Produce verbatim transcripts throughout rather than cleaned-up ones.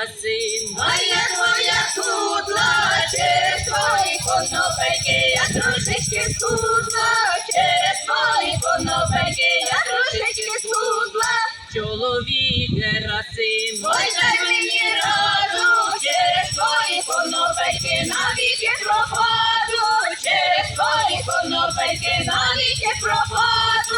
краси. Моя твоя кудла, через твої конопельки я трошечки скудла, через твої конопельки я трошечки скудла. Чоловік Герасим, Ой, дай мені раду, через твої конопельки навіки пропаду, через твої конопельки навіки пропаду.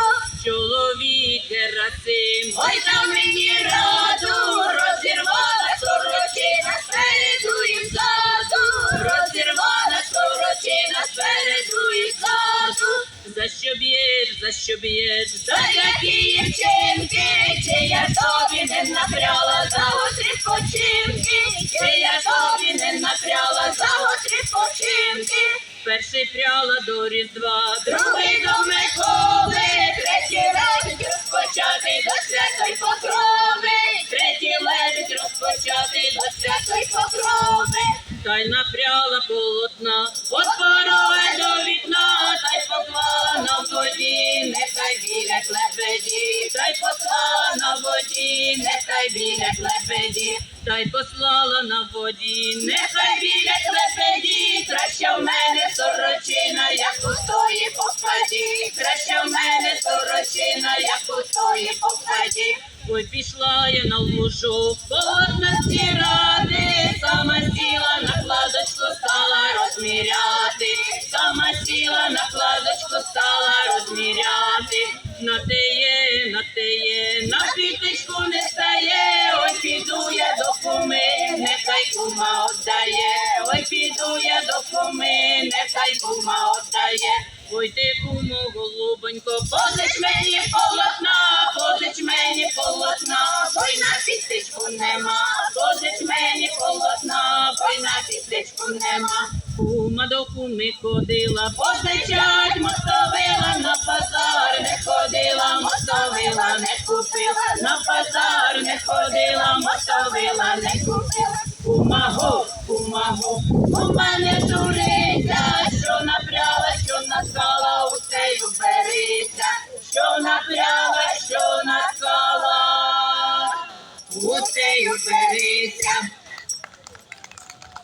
чоловік Герасим, Ой, дай мені раду, розірвала сорочина спереду і ззаду, розірвала сорочина спереду і ззаду. за що б'єш, за що б'єш, За які дівчинки, чи я тобі не напряла за гострі починки, чи я тобі не напряла за гострі починки. перший пряла до Різдва, Другий до Миколи, третій лебідь розпочатий до святої покрови, третій лебідь розпочатий до святої покрови. та й напряла полотна, от порога до вікна, та й поклала на воді, Нехай біля лебеді, та й послала на воді, нехай біля лебеді, та й послала на воді, нехай біля лебеді, краще в мене сорочина, як у тої попаді, краще в мене сорочина, як у тої попаді. ой, пішла я на лужок, полотна стирати, сама сіла на кладочку, стала розміряти, сама сіла на кладочку, стала розміряти. На теє, на теє, на пітечку не стає, ой, піду я до куми, нехай кума отдає, ой, піду я до куми, нехай кума отдає. Ой, ти, кумо, голубонько, позич мені полотна, позич мені полотна, Ой, на пістечку нема, позич мені полотна, ой, на пістечку нема. кума до куми ходила, позичать мостовила, на базар не ходила, мостовила не купила, на базар не ходила, мостовила не купила. Кума го, кума го, кума